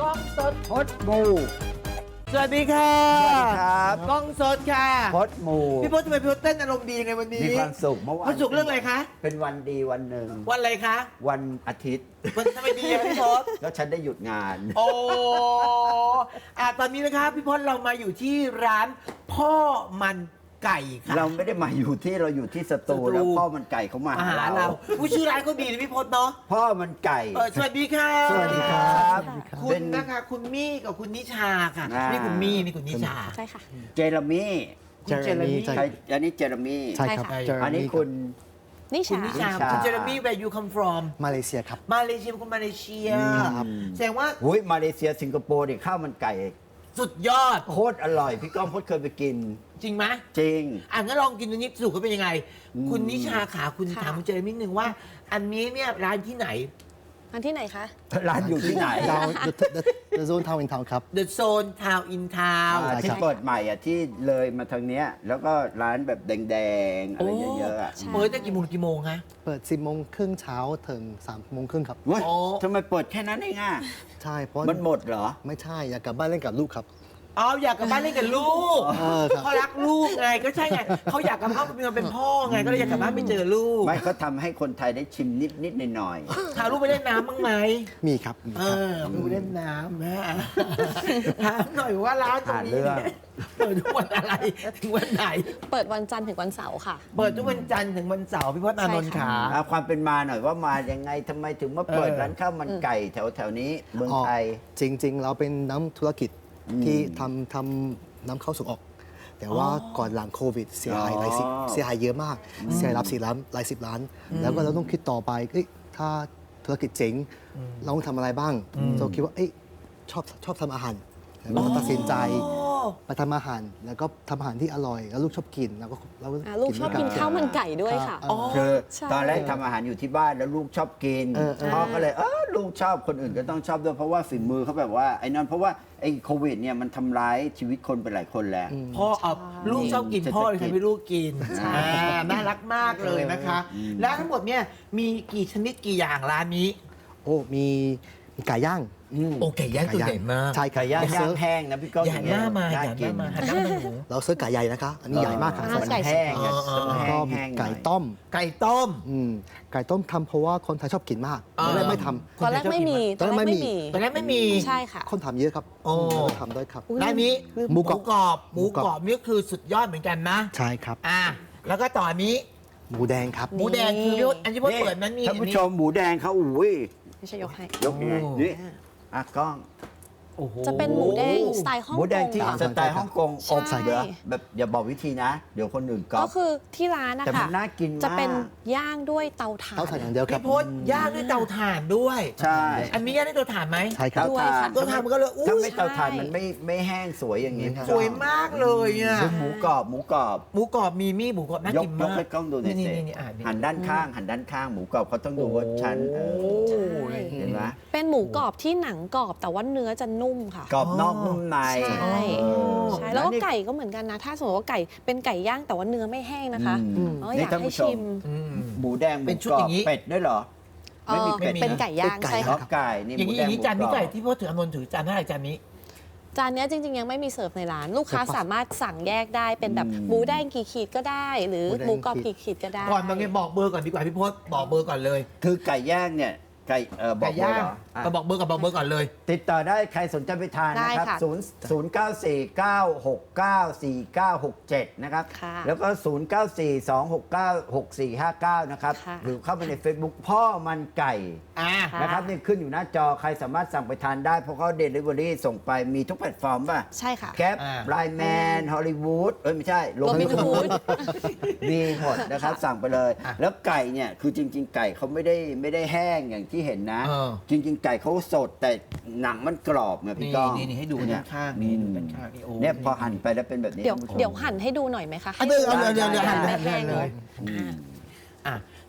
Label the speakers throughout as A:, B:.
A: กล้องสด
B: พดมู
A: สวัสดีค่ะ
B: สวัสดีครับ
A: กล้องสดค่ะ
B: พดมู
A: พี่พศทำไมพี่พศเต้นอารมณ์ดียังไงวันนี้
B: มีความสุขเมื่อวาน
A: ความสุขเรื่องอะไรคะ
B: เป็นวันดีวันหนึ่ง
A: วันอะไรคะ
B: วันอาทิตย์
A: วันทำไมดีอะพี่พศ
B: แล้วฉันได้หยุดงาน
A: โอ้ตอนนี้นะคะพี่พศเรามาอยู่ที่ร้านพ่อมันไก่ค่ะ
B: เราไม่ได้มาอยู่ที่เราอยู่ที่สตู
A: สตู
B: แล้วพ่อมันไก่เขามา
A: อา
B: หา
A: หาร
B: เรา
A: เราผู้ชื่อร้านก็ดีนะพี่พศเนาะ
B: พ่อมันไก่
A: สวัสดีค่ะ
B: สวัสดีครับ
A: คุ
B: เป็
A: ณ
B: น
A: นะคะคุณมี่กับคุณนิชาค่ะ
B: อ่านี่
A: นี่คุณมี่นี่คุณนิชา
C: ใช่ค่ะ
B: เจเรมี่
A: คุณเจเรมี่
B: ใช่อันนี้เจเรมี่
C: ใช่ครับ
B: อันนี้คุณ
C: นิ
A: คุณ
C: ชา
A: นิชา
B: นิชา
A: คุณเจเรมี่ where you come from
D: มาเลเซียครับ
A: มาเลเซียคุณมาเลเซีย
D: ครับ
A: แสดงว่า
B: อุ้ยมาเลเซียสิงคโปร์เนี่ยข้าวมันไก่
A: สุดยอด
B: โคตรอร่อยพี่ก้องพดเคยไปกิน
A: จริงไหม
B: จริง
A: งั้นลองกินตัวนี้สูตรเขาเป็นยังไง คุณนิชาขาคุณ
C: ค่ะ
A: ถามคุณเจเรมี่หนึ่งว่า อันนี้เนี่ยร้านที่ไหน
C: อันที่ไหนคะ
B: ร้านอยู่ที่ไหน
D: ดาวเดอะโซนทาวน์อินทาวน์ครับ
A: The Zone Town in Town
B: อ่า
D: ใช่
B: ที่
D: ครับ
B: เปิดใหม่อ่ะที่เลยมาทางเนี้ยแล้วก็ร้านแบบแดงๆ อะไรเยอะๆอ่ะ
C: ใช่
A: เปิดตั้งกี่โมงกี่โมงคะ
D: เปิด 10 โมงครึ่งเช้าถึง 3 โมงครึ่งครับ
B: เว้ย
A: โอ้
B: ทำไมเปิดแค่นั้นเองอ่ะ
D: ใช่เพราะ
B: มันหมดเหรอ
D: ไม่ใช่ อยากกลับบ้านเล่นกับลูกครับ
A: อ๋ออยากกลับบ้านเล่นกับลูก
D: ครับ
A: เขารักลูกไงก็ใช่ไงเขาอยากกลับบ้านเป็นพ่อไงก็เลยอยากกลับบ้านไปเจอลูก
B: ไม่เขาทำให้คนไทยได้ชิมนิดๆหน่อย
A: พาลูกไปเล่นน้ำบ้างไหม
D: มีครับมี
A: เอ
D: ครับ
A: อไปเล่นน้ำนะถามหน่อยว่าร้านตรงนี้เนี่ยเปิดทุกวันอะไรถึงวันไหน
C: เปิดวันจันทร์ถึงวันเสาร์ค่ะ
A: เปิดทุกวันจันทร์ถึงวันเสาร์พี่พจน์อานนท์ขา
B: ๆเอาความเป็นมาหน่อยว่ามายังไงทำไมถึงมาเปิดร้านข้าวมันไก่แถวๆนี้เมืองไทย
D: จริง ๆ เราเป็นน้ำธุรกิจที่ทำน้ำเข้าส่งออก แต่ว่าก่อนหลังโควิดเสียหายเสียหายเยอะมาก เสียรับ4 ล้านหลาย10 ล้าน แล้วก็เราต้องคิดต่อไปเอ้ยถ้าธุรกิจเจ๋งเราต้องทำอะไรบ้างเราคิดว่าเอ้ยชอบทำอาหารแล้วก็ตัดสินใจมาทำอาหาร แล้วก็ทำอาหารที่อร่อย แล้วลูกชอบกินแล้วก็
C: ลูกชอบกินข้าวมันไก่ด้วยค่ะ
B: คือ
C: ใช่
B: ตอนแรกทำอาหารอยู่ที่บ้านแล้วลูกชอบกินพ่อก็เลยลูกชอบคนอื่นก็ต้องชอบด้วยเพราะว่าฝีมือเขาแบบว่าไอ้นั่นเพราะว่าไอ้โควิดเนี่ยมันทำร้ายชีวิตคนไปหลายคนแล้ว
A: พ่อเอาลูกชอบกินพ่อเลยทำให้ลูกกินน่ารักมากเลยนะคะ แล้วทั้งหมดเนี่ยมีกี่ชนิดกี่อย่างร้านนี้
D: โอ้มีไก่ย่าง
A: โอเคย่างตัวใหญ่มาก
D: ใช่
B: ไก่ย่าง
D: เร
B: ย่าง
D: เซิร์ฟ
B: แห้งนะพี่ก้อง
A: อย่าหน้ามาอ
B: น่
A: ย่าห
B: กิ
A: น้าน มาหันหน้ามาหนู
D: เราเซิร์ฟไก่ใหญ่นะคะ อันนี้ใหญ่มากครับ
B: มัน
C: ไก่
B: แห้งอะ
D: แล้ว
B: แห้
D: ก็
B: ง
D: มี
B: แห้ง
D: ไก่ต้ม
A: ไก่ต้ม
D: ไก่ต้มทำเพราะว่าคนไทยชอบกินมากตอนแรกไม่ทำ
C: ตอนแรกไม่มี
D: ตอนแรกไม่มี
A: ตอนแรกไม่มี
C: ใช่ค่ะ
D: คนทำเยอะครับ
A: โอ้
D: เราทำด้วยครับ
A: ร้านนี้
D: หมูกรอบ
A: หมูกรอบนี่คือสุดยอดเหมือนกันนะ
D: ใช่ครับ
A: แล้วก็ต่อนี้
D: หมูแดงครับ
A: หมูแดงคือพี่พจน์อันที่พจน์เปิดนั้นมี
B: ท่านผู้ชมหมูแดงเขาอุ้ย
C: ไม่ใช่ยกให้
B: ยกยังไงนี่กล้อง
A: โอ้โห
C: จะเป็นหมูแดงสไตล์ฮ่อง
B: หมู
C: ก
B: แดง
C: ง
B: ที่
C: ค่ะ
B: สไตล์ฮ่องกง
C: ใช่
B: อบเหรอแบบอย่าบอกวิธีนะ เดี๋ยวคนอื่นก๊อ
C: ก็
B: ป
C: คือที่ร้านนะ
B: แต่มั
C: คะ
B: นน่ากินมาก
C: จะเป็นย่างด้วยเตาถ่าน
D: เต้าถ่านอย่างเดียวครับ
A: พี่พจน์ย่างด้วยเตาถ่านด้วย
B: ใช่
A: อันนี้ย่างด้วยเตาถ่านไหม
D: ใช่ครับ
C: ด้วยค่ะ
A: เตาถ่านมันก็เลยอู้
B: ถ้าไม่เตาถ่าน
C: ใช่
B: มันไม่แห้งสวยอย่างนี้
A: สวยมากเลยอ่ะ
B: คือหมูกรอบหมูกรอบ
A: หมูกรอบมีมี่หมูกรอบน่าย
B: ก
A: กิน
B: ย
A: มาก ก
B: ให้กล้องดูหน่อย
A: นี่
B: สิ
A: นี่อ่านนี่
B: หันด้านข้างหันด้านข้างหมูกรอบเขาต้องดูว่าชั้น
A: โอ้
C: ใช่
B: เห็นไหม
C: เป็นหมูกรอบที่หนังกรอบแต่ว่าเนื้อจะนุ่มค่ะ
B: กรอบนอกนุ่มใน
C: ใช่
B: เออ
C: ใช่แล้วก็
B: นี่
C: ไก่ก็เหมือนกันนะ ถ้าสมมติว่าไก่เป็นไก่ย่างแต่ว่าเนื้อไม่แห้งนะคะ
B: อืม
C: อยาก
B: นี่ท่าน
C: ให้
B: ผู้ชม
C: ชิม
A: อืม
B: หมูแดงหมู
A: เป็นชุด
B: กรอ
A: อบ ย่างนี้
B: เป็ดด้วยเหรอ ไม่มีเป็ด
C: เป็นไก่ย่าง
D: เป็นไก่
C: ใช่
B: ล็อ
C: ค่ะ
B: กไก่นี่
A: อย่าง
B: หมู
A: นี้
B: แด
A: อง ย่างนี้
B: หมู
A: จานนี้
B: กร
A: ไก่
B: อบ
A: ที่พ่อถืออานนท์ถือจานเท่าไหร่จานนี้
C: จานเนี้ยจริง ๆ ยังไม่มีเสิร์ฟในร้าน ลูกค้าสามารถสั่งแยกได้เป็นแบบหมูแดงกี่ขีดก็ได้ หรือหมูกรอบกี่ขีดก็ได้
A: ก่อนบางทีบอกเบอร์ก่อนดีกว่าพี่พศบอกเบอร์ก่อนเลย
B: คือไก่ย่างเนี่ยไก่บอ
A: ไก่
B: กเบอร์
A: ย่าง
B: เหรออ่ะ
A: ก็บอกเบอร์กับบอกเบอร์ก่อนเลย
B: ติดต่อได้ใครสนใจไปทานนะครับ
C: ได้ค่ะ
B: 094969467 นะครับ
C: ค่ะ
B: แล้วก็ 0942696459 นะครับ
C: ค่ะ
B: หรือเข้าไปใน Facebook พ่อมันไก่
A: อ่า
C: ค่ะ
B: นะครับนี่ขึ้นอยู่หน้าจอใครสามารถสั่งไปทานได้เพราะเขาเดลิเวอรี่ส่งไปมีทุกแพลตฟอร์มป่ะ
C: ใช่ค่ะ
B: แคปไลน์แมนฮอลลีวูดไม่ใช่
C: Robin Hood
B: มีหมดนะครับสั่งไปเลย แล้วไก่เนี่ยคือจริง ๆ ไก่เขาไม่ได้แห้งอย่างที่เห็นนะ จริง ๆ ไก่เขาสดแต่หนังมันกรอบไงพี่
A: นี่
B: ก้อง
A: นี่ให้ดูด้านข้างนี่ดูด้านข้างนี่โอ้
B: เนี่ยพอหั่นไปแล้วเป็นแบบนี้
C: เดี๋ยว
B: ท่านผู้ชม
C: เดี๋ยวหั่นให้ดูหน่อยไหมคะ
A: อ่ะเดี๋ยว
C: ให้
A: เดี๋ยวหั่น
C: แบบ
A: หั่น
C: ไม่แห้ง
A: เลย
B: อืม
A: อ่ะ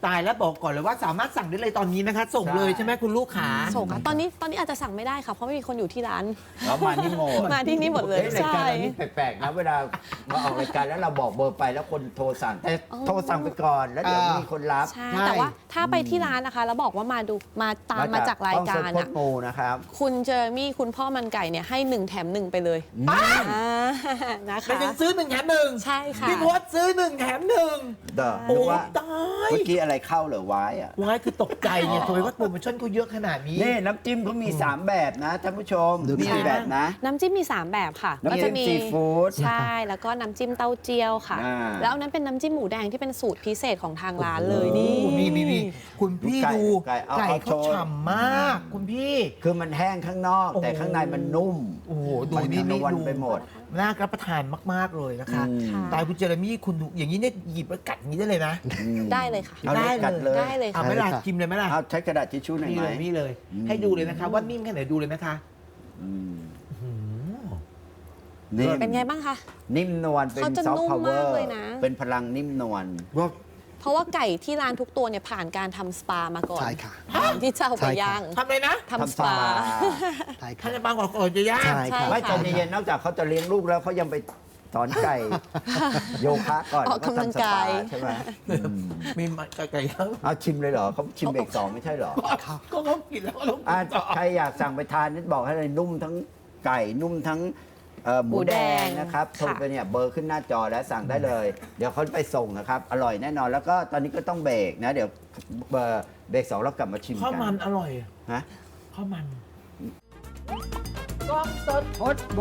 A: ตายแล้วบอกก่อนเลยว่าสามารถสั่งได้เลยตอนนี้นะคะ ส่งเลยใช่ไหมคุณลูกขา
C: ส่งค่ะตอนนี้อาจจะสั่งไม่ได้ค่ะเพราะไม่มีคนอยู่ที่ร้าน
B: เรามานี่โม
C: มาที่นี่หมดเลย
B: ราย
C: ใช่
B: การเรานี่แปลกๆนะเวลามาออกรายการแล้วเราบอกเบอร์ไปแล้วคนโทรสั่งแต่โทรสั่งไปก่อนแล้วเดี๋ยวมีคนรับ
C: ใช่แต่ว่าถ้าไปที่ร้านนะคะแล้วบอกว่ามาตามมาจากรายการ
B: ห้องเซ็ตโคต
C: อ่ะ
B: รโมนะครับ
C: คุณเจอร์มี่คุณพ่อมันไก่เนี่ยให้1 แถม 1 ไปเลยนะคะ
A: ไปถึงซื้อ1 แถม 1
C: ใช่ค่ะ
A: พี่พศซื้อ1 แถม 1
B: เด้อ
A: โอ้
B: นึกว่า
A: ตาย
B: เมื่อกี้อะไรเข้าเหรอไว้อะ
A: ว้ายคือตกใจเนี่ยทำไมว่าโปรโมชั่นเขาเยอะขนาดนี้
B: นี่น้ำจิ้มเขามี 3 แบบนะท่านผู้ชม
D: ดู
B: มี
D: ค่ะ
B: กี่แบบนะ
C: น้ำจิ้มมี 3 แบบค่ะ
B: น้ำจิ้มซีฟู้ด
C: ใช่แล้วก็น้ำจิ้มเต้าเจี้ยวค่ะ
B: อ่า
C: แล้วอันนั้นเป็นน้ำจิ้มหมูแดงที่เป็นสูตรพิเศษของทางร้านเลยนี่
A: โอ้นี่คุณพี่
B: ไก่
A: ดู
B: ไก่เอา
A: ไก่
B: เอา
A: เขา
B: โชว์
A: ฉ่ำมาก คุณพี่
B: คือมันแห้งข้างนอก แต่ข้างในมันนุ่ม
A: โอ้โหดู
B: มัน
A: นี่
B: นวล
A: ดู
B: ไปหมด
A: น่ารับประทานมาก ๆ เลยนะคะ
B: อืม
C: ค่ะ
A: ตายคุณเจเรมี่คุณดูอย่างนี้เนี่ยหยิบแล้วกัดอย่างนี้ได้เลยนะ
C: ได้เลยค่ะ
B: เอาเลยกัดเลย
C: ได้เลย
A: เอา
C: ค่ะ
A: ไหม่ล่ะ
D: ได้เลยค่ะ
A: ชิมเลยไหมล่ะ
B: เอาใช้กระดาษทิชชู่หน่อย
A: นี่
B: ไหม
A: เลยนี่เลย ให้ดูเลยนะคะ ว่านิ่มแค่ไหนดูเลยนะคะ
B: อืม
A: อืม
B: นิ่ม
C: เป็นไงบ้างคะ
B: นิ่มนวลเป็น
C: เขาจะ
B: ซอฟ
C: นุ่
B: ต์
C: ม
B: พาวเวอ
C: มาก
B: ร์
C: เลยนะ
B: เป็นพลังนิ่มนวล
C: เพราะว่าไก่ที่ร้านทุกตัวเนี่ยผ่านการทำสปามาก่อน
D: ใช่ค่ะ
C: ก่อนที่จะเอาไป
D: ใช่ค่ะ
C: ย่าง
A: ทำอะไรนะ
C: ทำสปา
D: ใช่
A: ท่า
D: ค่ะ
A: นจะบางก่อนจะย่าง
D: ใช่
C: ใช่
D: ค่ะ
B: ไม่
C: ค่ะ
B: ใจเย็นๆนอกจากเขาจะเลี้ยงลูกแล้วเขายังไปสอนไก่ โยคะก่อน
C: ออกกำลังกาย
B: แวทำสปใช่ไหม
A: มีไก่ย่าง
B: เอาชิมเลยเหรอเขาชิมเบรกสองไม่ใช่เหรอ
A: ก็เขากินแล้วก็ต้องกิ
B: อ่ะ
A: นต่อ
B: ใครอยากสั่งไปทานนี่บอกให้เลยนุ่มทั้งไก่นุ่มทั้งหมูแดงนะครับโทรไปเนี่ยเบอร์ขึ้นหน้าจอแล้วสั่งได้เลย เดี๋ยวเขาไปส่งนะครับ อร่อยแน่นอนแล้วก็ตอนนี้ก็ต้องเบรกนะ เดี๋ยวเบรกสองแล้วกลับมาชิม
A: ข้าว
B: กั
A: มัน
B: น
A: อร่อย
B: ฮะ
A: ข้าวมันกล้องสด
B: ฮอตบู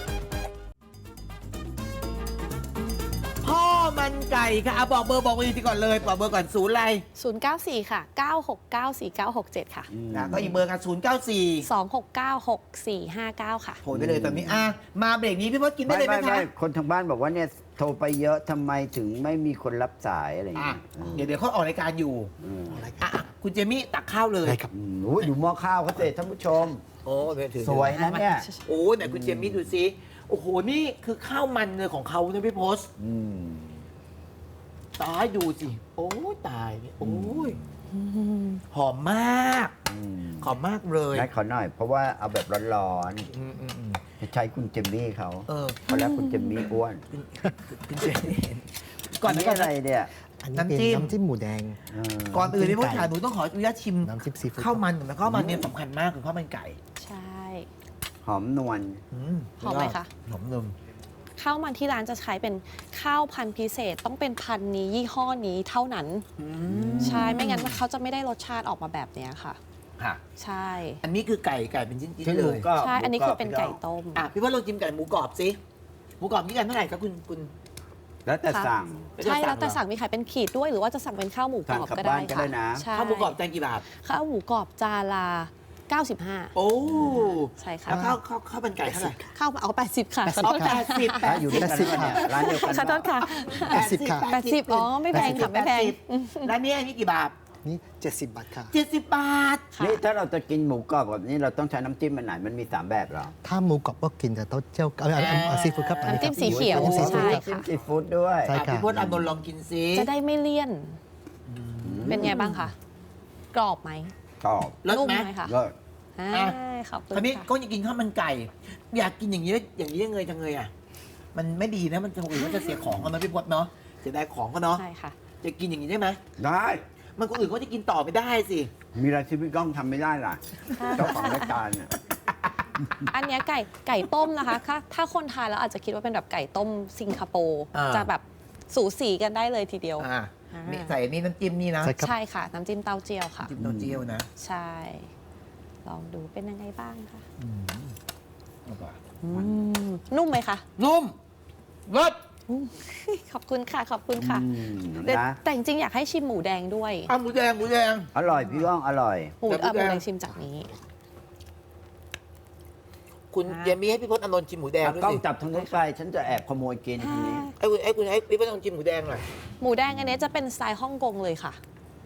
A: พ่อมันไก่ค่ะอ่ะบอกเบอร์อีกทีก่อนเลยบอกเบอร์ก่อนศูนย์อะไร
C: 094 ค่ะ 969 4967 ค่ะ
A: นะก็อีกเบอร์กัน094
C: 269 6459 ค่ะ
A: โทรไปเลยตอนนี้อ่ะมาเบรกนี้พี่พศกินได้เลยไหมคะ
B: คนทางบ้านบอกว่าเนี่ยโทรไปเยอะทำไมถึงไม่มีคนรับสายอะไรอย่าง
A: อ่ะ
B: เงี้ย
A: เดี๋ยวเขาออกรายการอยู่
B: อืม
A: อ่ะคุณเจมี่ตักข้าวเลย
D: ได้ครับ
B: โอ้ยดูหม้อข้าวเขาเสร็จท่านผู้ชม
A: โอ้เดี๋ยวถือ
B: สวยนะเนี่ย
A: โอ้ไหนคุณเจมี่ดูซิโอ้โหนี่คือข้าวมันเลยของเขานะพี่พศ
B: อืม
A: ตายดูสิโอ้ยตายโอ้ยหอมมาก
B: อืม
A: หอมมากเลย
B: นัดขอหน่อย เพราะว่าเอาแบบร้อน
A: อืม
B: ๆจะใช้คุณเจมมี่เขา
A: เออ
B: เพราะแล้วคุณเจมมี่อ้วน
A: คุณเจมี่ก่อน
B: นี่
A: ก่อน
B: อะไรเนี่ย
D: อันนี้เป็น
A: น้ำจิ้ม
D: น้ำจิ้มหมูแดง
B: เออ
A: ก่อนอื่นพี่พศ
D: ไก่
A: ขาหนูต้องขออนุญาตชิม
D: น้ำจิ้มซีฟู้ด
A: ข้าวมันหน่อยนะข้าวมันเนี่ยสำคัญมากคือข้าวมันไก่
C: ใช่
B: หอมนวล
C: หอมไหมคะ
A: หอมนม
C: ข้าวมันที่ร้านจะใช้เป็นข้าวพันธุ์พิเศษต้องเป็นพันธุ์นี้ยี่ห้อนี้เท่านั้น ใช่ ไม่งั้นเขาจะไม่ได้รสชาติออกมาแบบเนี้ยค่ะ
A: ค่ะ
C: ใช่
A: อันนี้คือไก่เป็นชิ้น
B: ซึ่ง
A: ๆเล
B: หมู
A: ย
B: กรอบ
C: ใช่ อันนี้คือเป็นไก่ต้ม
A: อ่ะพี่ว่าลองจิ้มไก่หมูกรอบสิหมูกรอบนี่กันเท่าไหร่ครับคุณ
B: แล้วแต่
C: ค่ะ
B: สั่ง
C: ใช่แล้วแต่สั่งมีขายเป็นขีดด้วย หรือว่าจะสั่งเป็นข้าวหมูกรอบ
B: สั่งกลับ
C: ก็ได้
B: บ้านก็
C: ค่ะ
B: ได้นะ
C: ใช่
A: ข้าวหมูกรอบจานกี่บาท
C: ข้าวหมูกรอบจานละ95
A: โอ้
C: ใช่ค่ะ
A: แล้วข้าวมันไก่เท่าไหร่
C: ข้าวเอา80 ค่ะขอโทษ
A: แป
C: ค่ะ
A: ดสิบ
B: อ่ะอยู่ด้วยกัน
D: 80
B: เนี่ยร้านเดียวกัน
C: ขอโทษค่ะ
D: 80ค่ะ
C: 80อ๋อไม่แพงค่ะไม่แพง
A: แล้วนี่อันนี้กี่บาท
D: นี่70 บาทค่ะ
A: 70 บาท
C: ค่ะ
B: นี่ถ้าเราจะกินหมูกรอบแบบนี้เราต้องใช้น้ำจิ้มมันไหนมันมี 3 แบบเหรอ
D: ถ้าหมูกรอบก็กินแต่เต้าเจี้ยวซีฟู้ดครับ
C: น้ำจิ้มสีเขียว
D: น้ำจิ้มซีฟู้ด
C: ใช่
D: ครับ
B: จิ้มซีฟู้ดด้วย
D: ใช่
A: อ่ะพี่พจน์อานนท์ลองกินซิ
C: จะได้ไม่เลี่ยน เป็นไงบ้างคะ กรอบไหม
B: กรอบ
A: เลิศ
C: นุ่ม
A: ไหม
C: ไหมคะ
B: เลิศ
C: อ่าขอบคุณ
A: คราวนี้
C: ค่ะ
A: ก็อยากกินข้าวมันไก่ อยากกินอย่างนี้ยังไงจังเลยอ่ะ มันไม่ดีนะมันจะคนอื่นก็จะเสียของกันนะพี่พจน์เนาะเสียดายของก็เนาะ
C: ใช่ค่ะ
A: จะกินอย่างนี้ได้ไหม
B: ได้
A: มันคนอื่นก็จะกินต่อไม่ได้สิ
B: มีอะไรที่พี่ก้องทำไม่ได้ล่ะ เจ้าของรายการเนี่ย
C: อันเนี้ยไก่ต้มนะคะถ้าคนทานแล้วอาจจะคิดว่าเป็นแบบไก่ต้มสิงคโปร์
A: อ่า
C: จะแบบสูสีกันได้เลยทีเดียว
A: อ่านี่ใส่นี่น้ำจิ้มนี่นะ
D: ใช่ครับ
C: ใช่ค่ะ น้ำจิ้มเต้าเจี้ยวค่ะ
A: จิ้มเต้าเจี้ยวนะ
C: ใช่ ลองดูเป็นยังไงบ้างคะนุ่มไหมคะ
A: นุ่มรส
C: ขอบคุณค่ะ ขอบคุณค่ะ
B: อืม
C: แต่
B: นะ
C: แต่จริงๆอยากให้ชิมหมูแดงด้วย
A: อ่ะหมูแดง
B: อร่อยพี่ก้องอร่อย
C: หมู
A: แต่
C: หมู
A: หมูแดง
C: แดงชิมจากนี้
A: คุณ
C: อ่า
A: เจมี่ให้พี่พจน์อานนท์ชิมหมูแดง
B: เอา
A: ด้วย
B: กล้อง
A: สิ
B: จับทางนู้นไปฉันจะแอบขโมยกินทีนี้
A: ให้พี่พจน์ลองชิมหมูแดงหน่อย
C: หมูแดงอันเนี้ยจะเป็นสไตล์ฮ่องกงเลยค่ะ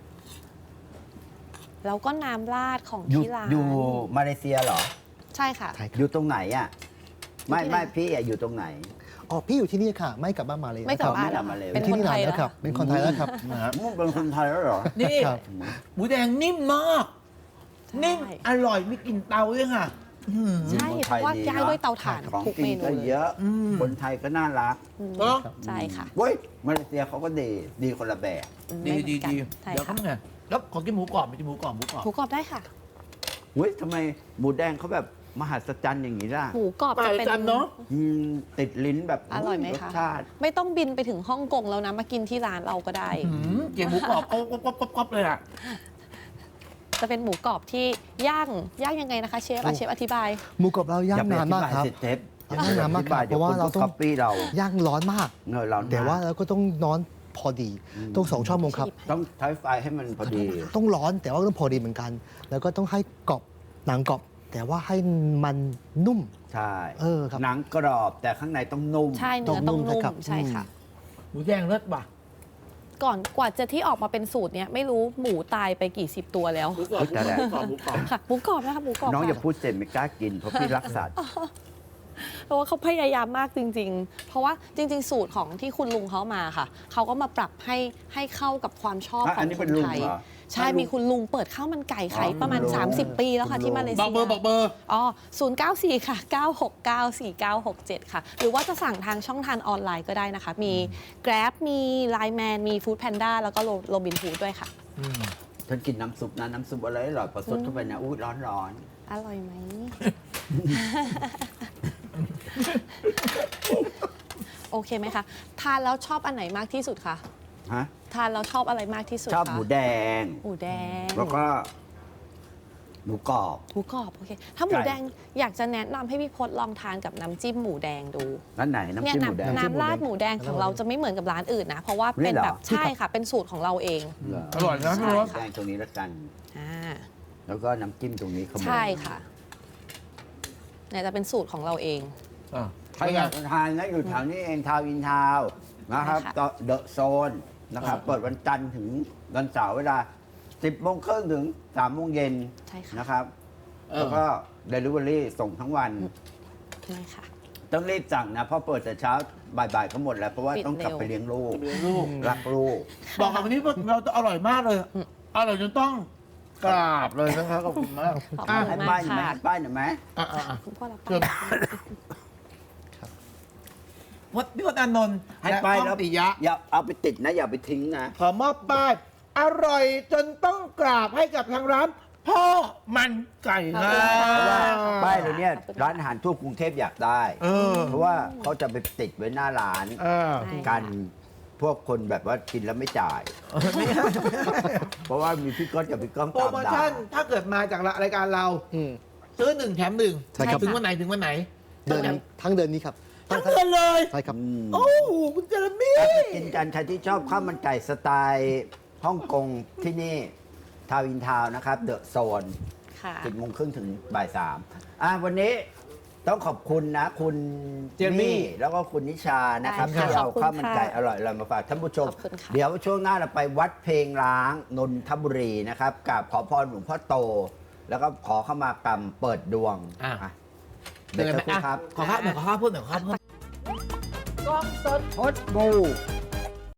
C: แล้วก็น้ำราดของ
B: อยู่
C: ที่ร้าน
B: อยู่มาเลเซียเหรอ
C: ใช่ค่ะ
D: ใช่ค
B: อ
D: รับ
B: ยู่ตรงไหนอ่ะ ไม่
C: อยู่ที่ไหน
B: ไม่พี่อ่ะอยู่ตรงไหน
D: อ๋อพี่อยู่ที่นี่ค่ะ ไม่กลับบ้านมาเลย
C: ไม่กลับบ้าน
B: ไม่กลับมาเลย
C: เป็น
D: ที่
C: คน
D: นี่
C: ไท
D: นาน
C: ย
D: แล้
C: แล้ว ว
D: ครับ เป็นคนไทยแล้วครับ
B: มึงเป็นคนไทยแล้วเหรอ
A: นี่
D: ครับ
A: หมูแดงนิ่มมาก นิ่มอร่อยมีกลิ่นเตาด้วยค่ะอื้อหือ
C: ใช่เพราะว่าย่างด้วยเตาถ่าน
B: ของ
C: ทุก
B: กิ
C: เม
B: น
C: นู
B: ก็
C: เลย
B: เยอะ คนไทยก็น่ารัก
A: เนอะ
C: ใช่ค่ะ
B: เว้ยมาเลเซียเขาก็ดีคนละแบบ
A: ดี
C: ไม่เหมื
A: ดี
C: อนกัน
A: ดี
C: ใช่
A: เดี๋ยว
C: ค่ะ
A: เขาไงแล้วขอกินหมูกรอบมีหมูกรอบหมูกรอบ
C: หมูกรอบได้ค่ะ
B: เว้ยทำไมหมูแดงเขาแบบมหัศจรรย์อย่างนี้ล่ะ
C: หมูกรอบจะเป็น
A: จันเนาะ
B: ติดลิ้นแบบ
C: อร่อยไหม
B: รส
C: คะ
B: ชาติ
C: ไม่ต้องบินไปถึงฮ่องกงแล้วนะ มากินที่ร้านเราก็ได้
A: เกี่ยวหมูกรอบก๊อบเลยอ่ะ
C: จะเป็นหมูกรอบที่ย่างยังไงนะคะเชฟเชฟอธิบาย
D: หมูกรอบเราย่างนานมากครับ
B: อย่ไปอธิบยสิเทป
D: ย่างนานมากครับ
B: ดี๋ยว
D: เพราะว่าเราต้อง
B: คัปปี้เรา
D: ย่างร้อนมาก
B: เรา
D: แต่ว่าเราก็ต้องนอนพอดี ต้อง2 ชั่วโมงครับ
B: ต้องใช้ไฟให้มันพอดี
D: ต้องร้อนแต่ว่าต้องพอดีเหมือนกัน แล้วก็ต้องให้กรอบหนังกรอบ แต่ว่าให้มันนุ่ม
B: ใช่
D: ครับ
B: หนังกรอบแต่ข้างในต้องนุ่ม
C: ใช่เนื้อต้องนุ่ม
D: ครับ
C: ใช่ค่ะ
A: หมูแดงเลิศป่ะ
C: ก่อนกว่าจะที่ออกมาเป็นสูตรเนี้ยไม่รู้หมูตายไปกี่สิบตัวแล้ว
A: หมูกรอบหมูกรอบ
C: ค่ะหมูกรอบนะคะหมูกรอบ
B: น้องอย่า
C: ค่ะ
B: พูดเสร็จไม่กล้ากินเพราะพี่รักสัตว์
C: เพราะว่าเขาพยายามมากจริง ๆ เพราะว่าจริง ๆ สูตรของที่คุณลุงเขามาค่ะ เขาก็มาปรับให้เข้ากับความชอบข
B: อั
C: อน ง
B: นี้
C: ค
B: เป็น
C: น
B: ลุง
C: ไทย
B: เหรอ
C: ใช่มีคุณลุงเปิดข้าวมันไก่ขาย
B: อ๋อ
C: ประมาณ
B: คุณลุง
C: 30 ปีแล้วค่ะ
B: คุณลุง
C: ที่มาเล
A: บ
C: เซี
A: อกเบอร์บอกเบอร์
C: อ๋อ094 ค่ะ 9694967 ค่ะ หรือว่าจะสั่งทางช่องทางออนไลน์ก็ได้นะคะ มี Grab มี Line Man มี Food Panda แล้วก็ Robin Hood ด้วยค่ะ
B: ฉันกินน้ำซุปนะน้ำซุปอะไรอร่อยพอสดเข้าไปนะอู้ร้อน
C: อร่อยไหม โอเคไหมคะ ทานแล้วชอบอันไหนมากที่สุดคะ
B: ๆฮะ
C: ทานแล้วชอบอะไรมากที่สุด
B: ชอบ
C: คะ
B: หมูแดง
C: หมูแดง
B: แล้วก็หมูกรอบ
C: หมูกรอบโอเค ถ้าหมูแดงอยากจะแนะนำให้พี่พศลองทานกับน้ำจิ้มหมูแดงดู
B: ร้านไหนน้ำ
C: เนี่ย
B: จิ้มหมูแดง
C: น้ำราดหมูแดงของเราจะไม่เหมือนกับร้านอื่นนะ เพราะว่าเป็น
B: นี่เหรอ
C: แบบใช่ค่ะ เป็นสูตรของเราเอง
B: เหร
A: อร่อยนะพี่รส
B: แดงตรงนี้แล้วกัน
C: อ่า
B: แล้วก็น้ำจิ้มตรงนี้ขโมย
C: ใช่ค่ะเนี่ยจะเป็นสูตรของเราเอง
B: ใครอยากทานนะอยู่แถวนี้เองทาวน์อินทาวน์นะครับ
C: ใช่ค่ะ
B: เดอะโซนนะครับ เปิดวันจันทร์ถึงวันเสาร์เวลา 10 โมงครึ่งถึง 3 โมงเย็น
C: ใช่ค่ะ
B: นะครับ แล้วก็เดลิเวอรี่ส่งทั้งวัน
C: ใช่ค่ะ
B: ต้องรีบสั่งนะ เพราะเปิดแต่เช้าบ่ายๆก็หมดแล้ว เพราะว่า
C: ปิด
B: ต้องกลับ
C: เร็ว
B: ไปเลี้ยงลูก
A: เลี้ยงลูก
B: รักลูก
A: บอกกับวันนี้ว่าเราอร่อยมากเลยอร่อยจนต้องกราบเลยนะครับขอบคุณมาก
C: ขอบ
A: อ่ะ
C: คุ
B: ให้
C: ณ
B: ป้าม
C: าย ก
B: หน่อยไหม
C: ค่ะ
B: ให้ป้ายหน่อยไหม
C: คุณพ่อรับ
A: เชิญ วัดพี่วัดอานนท์
B: ให้
A: และ
B: ป้าย
A: ก้อง
B: แล้ว
A: ปิยะ
B: อย่าเอาไปติดนะ อย่าไปทิ้งนะ
A: ขอมอบป้าย อร่อยจนต้องกราบให้กับทางร้าน พ่อมันไก่ครั
B: เพราะว่า
A: บ
B: ป้ายเลยเนี่ยร้านอาหารทั่วกรุงเทพอยากได้
A: เออ
B: เพราะว่าเขาจะไปติดไว้หน้าร้าน
A: เออ
C: ใช่
B: กันพวกคนแบบว่ากินแล้วไม่จ่าย เพราะว่ามีพี่ก้อนกับพี่ก้อง
A: โปร
B: ตาม
A: โม
B: ด่า
A: ชั่นถ้าเกิดมาจากรายการเรา
D: อืม
A: ซื้อ1 แถม 1
D: ใช่ครับ
A: ถึงวันไหนถึงวันไหน
D: เดือนทั้งเดือนนี้ครับ
A: ทั้งเดือนเลย
D: ใช่ครับ
A: โอ้โหคุณเจเรมี่
B: ถ้าไปกินกันใครที่ชอบข้าวมันไก่สไตล์ฮ่องกงที่นี่ทาวน์อินทาวน์นะครับเดอะโซน
C: ค่ะ
B: 10 โมงครึ่งถึงบ่าย 3วันนี้ต้องขอบคุณนะ คุณเจมี่แล้วก็คุณนิชานะครับ
C: ได้ค่ะ
B: ที่เอา
C: ขอบคุณ
B: ข้าวมันไก่
C: ค่ะ
B: อร่อยๆมาฝากท่านผู้ชม
C: ขอบคุณค่ะ
B: เดี๋ยวช่วงหน้าเราไปวัดเพลงร้างนนทบุรีนะครับกับขอพรหลวงพ่อโต แล้วก็ขอเข้ามากรรมเปิดดวง
A: อ่ะ
B: อ่ะเดี๋ยวสักครู่ครับ
A: ขอข้าวหน่อยขอข้าวพูดหน่อยขอข้าวพูด
B: กล้องสดพดบู